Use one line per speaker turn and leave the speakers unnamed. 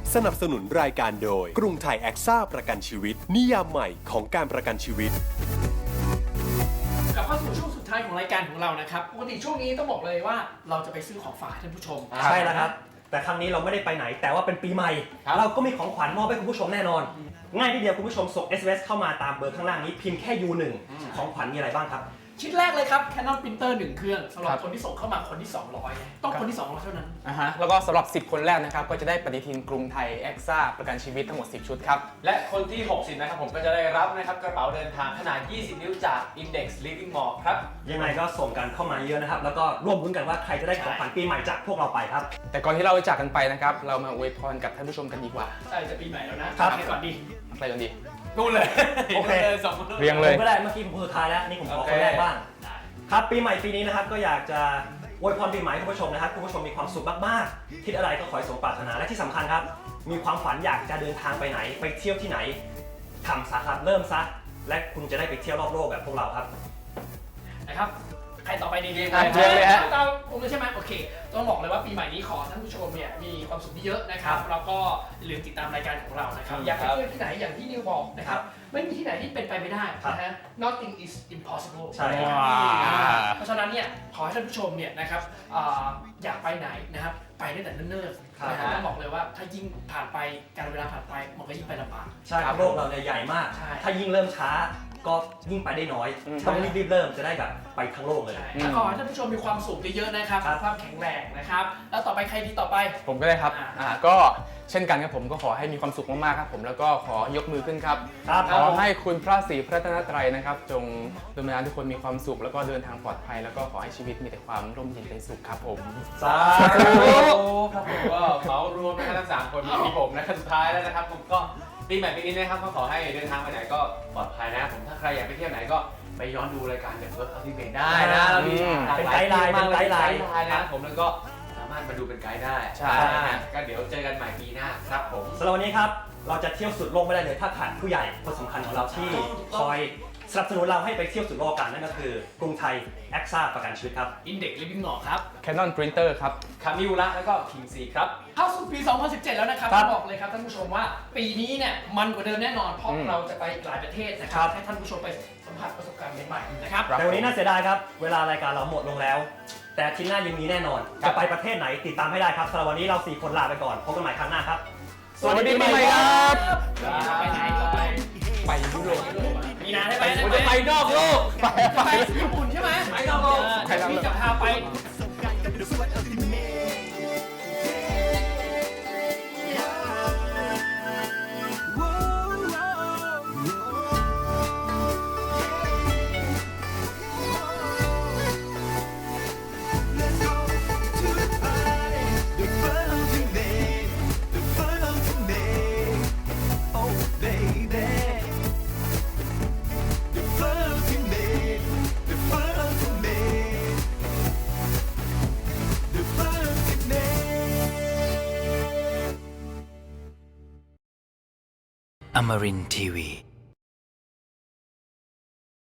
สนับสนุนรายการโดยกรุงไทยแอคซ่าประกันชีวิตนิยามใหม่ของการประกันชีวิต
กลับเข้าสู่ช่วงสุดท้ายของรายการของเรานะครับปกติช่วงนี้ต้องบอกเลยว่าเราจะไปซื้อของฝากให้ท่านผู้ชม
ใช่แล้วครับแต่ครั้งนี้เราไม่ได้ไปไหนแต่ว่าเป็นปีใหม่เราก็มีของขวัญมอบให้คุณผู้ชมแน่นอนง่ายทีเดียวคุณผู้ชมส่ง SMS เข้ามาตามเบอร์ข้างล่างนี้พิมพ์แค่ U1 ของขวัญมีอะไรบ้างครับ
ชิ้นแรกเลยครับ Canon Printer 1 เครื่องสำหรับคนที่ส่งเข้ามาคนที่ 200ต้องคนที่ 200 เท่านั้น
แล้วก็สำหรับ10คนแรกนะครับก็จะได้ปฏิทินกรุงไทยแอคซ่าประกันชีวิตทั้งหมด10ชุดครับ
และคนที่60นะครับผมก็จะได้รับนะครับกระเป๋าเดินทางขนาด20นิ้วจาก Index Living Mall ครับ
ยังไงก็ส่งกันเข้ามาเยอะนะครับแล้วก็ร่วมรุ้นกันว่าใครจะได้ของขวัญปีใหม่จากพวกเราไปครับ
แต่ก่อนที่เราจะจากกันไปนะครับเรามาอวยพรกับท่านผู้ชมกันดีกว่า
ใช่จะปีใหม่แล้วนะครับไปก่อนดี
ไปกันดี
นู่นเลย
โอเค
สองคน
เรียงเลย
ผมก็ได้เมื่อกี้ผมสุดท้ายแล้วนี่ผมขอคนแรกบ้างครับปีใหม่ปีนี้นะครับก็อยากจะอวยพรปีใหม่คุณผู้ชมนะครับคุณผู้ชมมีความสุขมากๆคิดอะไรก็ขอให้สมปรารถนาและที่สำคัญครับมีความฝันอยากจะเดินทางไปไหนไปเที่ยวที่ไหนทำซะครับเริ่มซะและคุณจะได้ไปเที่ยวรอบโลกแบบพวกเราครับ
นะครับใครต่อไปดีเรียง
เลยฮะ
ตามผมเลยใช่ไหมโอเคต้องบอกเลยว่าปีใหม่นี้ขอท่านผู้ชมเนี่ยมีความสุขเยอะนะครับแล้วก็อย่าลืมติดตามรายการของเรานะครับอยากไปเที่ยวที่ไหนอย่างที่นิวบอกนะครับไม่มีที่ไหนที่เป็นไปไม่ได้นะฮะ nothing is impossible
ใช่
เพราะฉะนั้นเนี่ยขอให้ท่านผู้ชมเนี่ยนะครับอยากไปไหนนะครับไปได้แต่เนิ่นๆนะฮะต้องบอกเลยว่าถ้ายิ่งผ่านไปการเวลาผ่านไปมันก็ยิ่งไปลำบาก
ใช่โลกเราเนี่ยใหญ่มากถ้ายิ่งเริ่มช้าก็ยิ่งไปได้น้อยต้องรีบเริ่มจะได้แบบไปทั้งโลกเลย
ขอให้ท่านผู้ชมมีความสุขเยอะๆนะครับสุขภาพแข็งแรงนะครับแล้วต่อไปใครดีต่อไป
ผมก็ได้ครับก็เช่นกันครับผมก็ขอให้มีความสุขมากๆครับผมแล้วก็ขอยกมือขึ้นครับขอให้คุณพระศรีพระรัตนตรัยนะครับจงดลบันดาลทุกคนมีความสุขแล้วก็เดินทางปลอดภัยแล้วก็ขอให้ชีวิตมีแต่ความร่มเย็นเป็นสุขครับผม
สาธุ
ครับผมก็เหมารวมนะครับทั้ง3คนมีผมนะครับสุดท้ายแล้วนะครับผมก็ปีใหม่ปีนี้นะครับก็ขอให้เดินทางไปไหนก็ปลอดภัยนะครับผมถ้าใครอยากไปเที่ยวไหนก็ไปย้อนดูรายการเด็กเวิร์คอัลติเมทได้นะเรามี
เป็นไกด์ไลน์
นะผมแล้วก็สามารถมาดูเป็นไกด์ได้
ใช่
ก็เดี๋ยวเจอกันใหม่ปีหน้าครับผม
สำหรับวันนี้ครับเราจะเที่ยวสุดโลกไม่ได้เลยถ้าขาดผู้ใหญ่คนสำคัญของเราที่คอยสนับสนุนเราให้ไปเที่ยวสุดโลกกันนั่นก็คือกรุงไทยแอคซ่าประกันชีวิตครับ
Index Living Mall ครับ
Canon Printer ครับ
คามิวระแล้วก็คิงซีครับ
เข้าสู่ปี 2017 แล้วนะครับบอกเลยครับท่านผู้ชมว่าปีนี้เนี่ยมันกว่าเดิมแน่นอนเพราะเราจะไปหลายประเทศนะครับให้ท่านผู้ชมไปสัมผัสประสบการณ์ใหม่ๆนะครับ
แต่วันนี้น่าเสียดายครับเวลารายการเราหมดลงแล้วแต่อาทิตย์หน้ายังมีแน่นอนจะไปประเทศไหนติดตามให้ได้ครับสำหรับวันนี้เรา4คนลาไปก่อนพบกันใหม่ครั้งหน้าครับ
สวัสดีปีใหม่ครับ
ไปไหนต่อ
ไปยุโรป
มีนานได้ไหม
จะไปนอกโลก
ไปญี่ปุ่นใช่ไหม
ไปนอกโลก
พี่จะพาไป
Amarin Tiwi.